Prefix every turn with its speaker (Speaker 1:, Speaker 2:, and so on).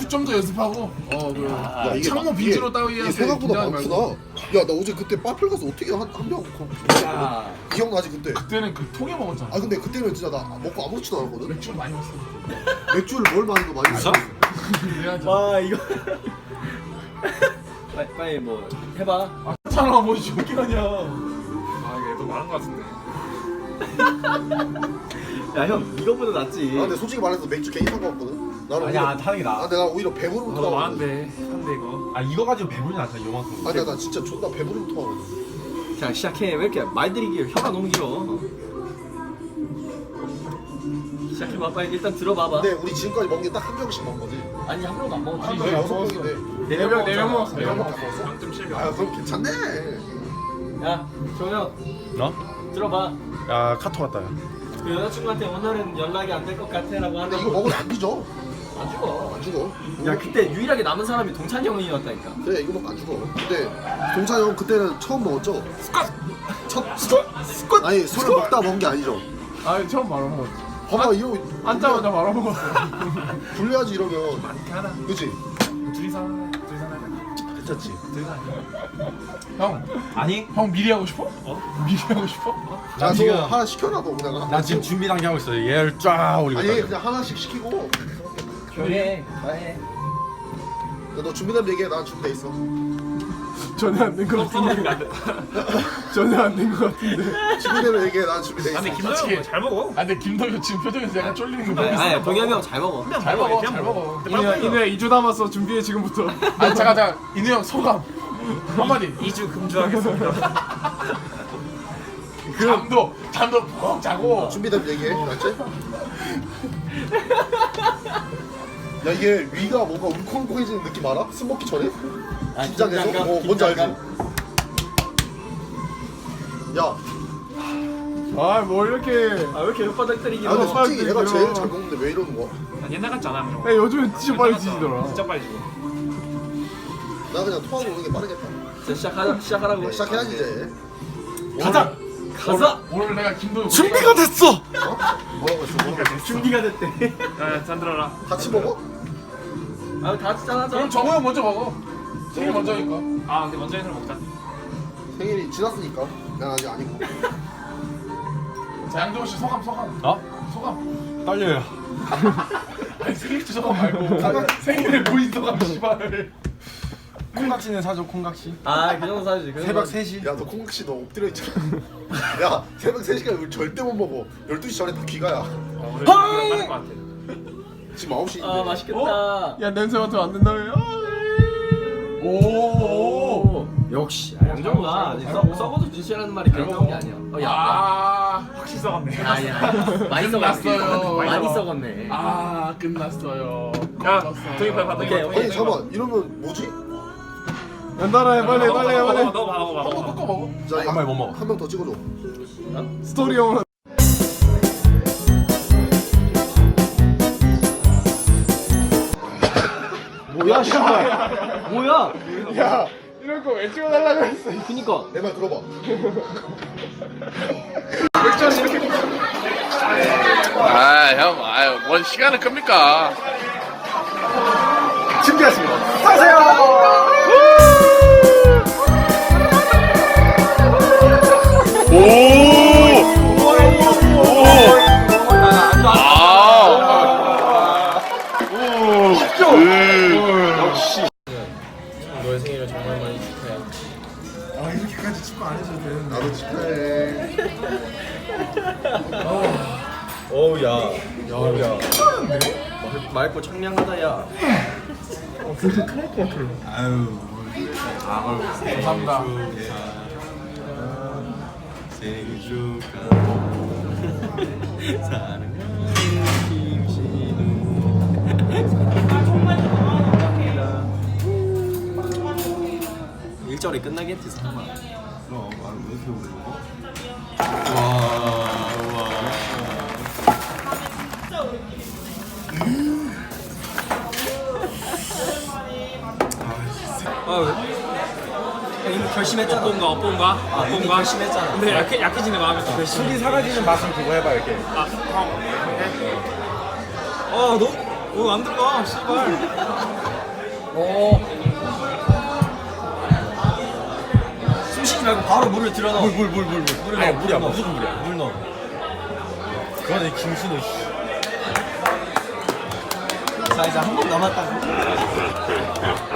Speaker 1: 좀 더 연습하고
Speaker 2: 야, 이게
Speaker 1: 창모
Speaker 2: 막-
Speaker 1: 빈지로
Speaker 2: 이게
Speaker 1: 따위한테
Speaker 2: 생각보다
Speaker 1: 긴장하지
Speaker 2: 많구나.
Speaker 1: 말고.
Speaker 2: 야 나 어제 그때 빠플 가서 어떻게 한명 기억나지 그때?
Speaker 1: 그때는 그 통에 먹었잖아.
Speaker 2: 아 근데 그때는 진짜 나 먹고 아무렇지도 않았거든.
Speaker 1: 맥주를 많이 먹었어.
Speaker 2: 맥주를 뭘 많이 거 많이 먹었어.
Speaker 1: 그래야지.
Speaker 3: 와 이거 빨리 뭐 해봐.
Speaker 1: 괜찮아 뭐 저렇게 하냐.
Speaker 4: 아 이게 또 많은 것 같은데.
Speaker 3: 야 형 이거보다 낫지.
Speaker 2: 아 근데 솔직히 말해서 맥주 괜히 산 거 같거든. 나는
Speaker 5: 아니야
Speaker 2: 오히려,
Speaker 5: 타는 게
Speaker 2: 아
Speaker 5: 나아.
Speaker 2: 내가 오히려 배부르면
Speaker 4: 너
Speaker 2: 토하거든.
Speaker 4: 많은데 한데 이거.
Speaker 5: 아 이거 가지고 배부르진 않잖아 요만큼.
Speaker 2: 아니야 나 진짜 존나 배부르면 토하거든.
Speaker 3: 자 시작해. 왜 이렇게 말들이 길어? 혀가 너무 길어. 시작해봐. 빨리 일단 들어봐봐.
Speaker 2: 근데 우리 지금까지 먹은 게 딱 한 병씩 먹은 거지.
Speaker 3: 아니 한 명도 안 먹었지.
Speaker 2: 아, 여섯 병인데.
Speaker 3: 네 명 먹었잖아.
Speaker 1: 네 명
Speaker 2: 먹었어?
Speaker 4: 0.7명.
Speaker 2: 아 그럼 괜찮네.
Speaker 3: 야 정혁
Speaker 5: 너?
Speaker 3: 들어봐.
Speaker 5: 야 카톡 왔다. 야.
Speaker 3: 그 여자친구한테 오늘은 연락이 안 될 것 같아라고
Speaker 2: 근데
Speaker 3: 하는데
Speaker 2: 이거 먹으면 안 뒤져.
Speaker 3: 안 죽어.
Speaker 2: 안 죽어.
Speaker 3: 야 그때 유일하게 남은 사람이 동찬이 형이었다니까.
Speaker 2: 그래 이거 먹고 안 죽어. 근데 동찬이 형 그때는 처음 먹었죠? 첫 스쿼트. 아니 술을 먹다 먹은 게 아니죠.
Speaker 1: 아 처음 말아 먹었지.
Speaker 2: 봐봐 이거
Speaker 1: 앉자마자 말아 먹었어.
Speaker 2: 불려야지 이러면.
Speaker 4: 많게 하나.
Speaker 2: 그치?
Speaker 4: 둘이서 하자.
Speaker 2: 괜찮지?
Speaker 1: 형 미리 하고 싶어? 미리 하고 싶어?
Speaker 2: 야,
Speaker 5: 지금-
Speaker 2: 너 하나 시켜놔도 그냥.
Speaker 5: 나 지금 준비 단계 하고 있어. 얘를 쫙 올리고.
Speaker 2: 아니
Speaker 5: 있다.
Speaker 2: 그냥 하나씩 시키고.
Speaker 3: 그래. 해.
Speaker 2: 야, 너 준비되면 얘기해. 난 준비돼 있어.
Speaker 1: 전혀 안 된 것 같은데. 전혀 안 된 것 같은데.
Speaker 2: 준비되면 얘기해. 난 준비돼 있어.
Speaker 4: 근데 김도영 잘 먹어.
Speaker 1: 아 근데 김덕현 지금 표정에서 약간 쫄리는 거
Speaker 3: 아니,
Speaker 1: 보고
Speaker 3: 아니 동혁이 형 잘 먹어.
Speaker 1: 잘 먹어 잘 먹어.
Speaker 4: 이누야
Speaker 1: 2주 남았어 준비해 지금부터. 아니 잠깐 인우 형 소감 한마디.
Speaker 4: 2주 금주하겠습니다.
Speaker 1: 잠도 푹 자고.
Speaker 2: 준비되면 얘기해. 알았지? 야 이게 위가 뭔가 울컥울컥해지는 느낌 알아? 술 먹기 전에? 긴장해서?
Speaker 3: 긴장감,
Speaker 2: 뭔지 알지?
Speaker 3: 긴장감.
Speaker 2: 야,
Speaker 1: 아뭐 이렇게.
Speaker 3: 아 왜 이렇게 혓바닥 때리기?
Speaker 2: 아 근데 솔직히
Speaker 1: 빨리
Speaker 2: 얘가
Speaker 1: 들어.
Speaker 2: 제일 잘 먹는데 왜 이러는 거야?
Speaker 4: 난 옛날 같지 않아. 형.
Speaker 1: 야 요즘엔 진짜 빨리 지지더라.
Speaker 4: 진짜 빨리 죽어.
Speaker 2: 나 그냥 토하고 오는 게 빠르겠다.
Speaker 3: 자 시작하라고.
Speaker 2: 야, 시작해야지 이제.
Speaker 1: 가자.
Speaker 3: 가자.
Speaker 1: 오늘 내가 김도현
Speaker 5: 준비가 됐어.
Speaker 2: 뭐라고 했어? 뭐라고 했어?
Speaker 3: 준비가 됐대.
Speaker 4: 야, 잔 들어라.
Speaker 2: 같이 먹어?
Speaker 3: 아 다 짠하자.
Speaker 1: 그럼 정우 형 먼저 먹어. 생일 먼저니까.
Speaker 4: 아, 근데 먼저 해서 먹자.
Speaker 2: 생일이 지났으니까. 난 아직 아니고.
Speaker 1: 자 양정우 씨 소감.
Speaker 5: 어?
Speaker 1: 소감.
Speaker 5: 떨려요.
Speaker 1: 아니 생일 소감 말고 생일에 무인 소감 씨발.
Speaker 5: 콩각시는 사줘 콩각시.
Speaker 3: 아그 정도 사주지. 그
Speaker 5: 새벽
Speaker 3: 정도.
Speaker 5: 3시.
Speaker 2: 야 너 콩국씨 너 엎드려 있잖아. 야 새벽 3시까지 우리 절대 못 먹어. 12시 전에 다 귀가야.
Speaker 4: 오늘 빠를 것 같아.
Speaker 2: 지금 9시인데.
Speaker 3: 아 맛있겠다.
Speaker 1: 야 냄새 맡으면 안 된다며. 오.
Speaker 3: 역시 양정우가 썩어도 진실하는 말이 그런 게 아니야. 야.
Speaker 1: 아.
Speaker 4: 확실히 썩었네.
Speaker 3: 아야. 많이 썩었어.
Speaker 1: 끝났어요.
Speaker 3: 많이 썩었네.
Speaker 1: 아 끝났어요.
Speaker 4: 야,
Speaker 1: 끝났어요.
Speaker 4: 동이 빨리 받아.
Speaker 3: 오케이, 오케이.
Speaker 2: 아니 잠깐만 이러면 뭐지?
Speaker 1: 연달아 해 빨리.
Speaker 4: 너 봐.
Speaker 1: 꺾어 먹어.
Speaker 2: 자,
Speaker 5: 한 마리 못 먹어.
Speaker 2: 한 명 더 찍어줘.
Speaker 1: 스토리 형으로.
Speaker 3: 뭐야 씨발. 뭐야?
Speaker 1: 야 이런 거 왜 찍어달라고 했어.
Speaker 3: 그니까.
Speaker 2: 내 말 들어봐.
Speaker 1: 아 형, 아유 뭔 시간을 끕니까?
Speaker 2: 준비했습니다.
Speaker 3: 너의 생일을 정말 많이 축하해.
Speaker 1: 아 이렇게까지 축구 안 해줘도 되는데.
Speaker 2: 나도 축하해.
Speaker 3: 어우 야. 야. 맑고 청량하다 야.
Speaker 1: 감사합니다.
Speaker 5: 생일 축하. 사랑하는 김신우.
Speaker 3: 일절에 끝나겠지 설마.
Speaker 5: 그럼 왜 이렇게 오래 먹어? 와.
Speaker 3: 아 왜? 이미 결심했잖아.
Speaker 4: 어떤가, 어떤가?
Speaker 3: 아, 이미 결심했잖아.
Speaker 4: 근데 약해지는 마음이 좀.
Speaker 5: 술이 사라지는 맛은 그거 해봐 이렇게.
Speaker 4: 아, 형.
Speaker 3: 아 너?
Speaker 5: 안 들어가 씨발.
Speaker 3: 숨 쉬지 말고 바로 물을 들여 넣어.
Speaker 5: 물.
Speaker 3: 물을 넣어.
Speaker 5: 물이야 무조건 물이야. 물 넣어. 그거네 김순호 씨.
Speaker 3: 자 이제 한 번 남았다고.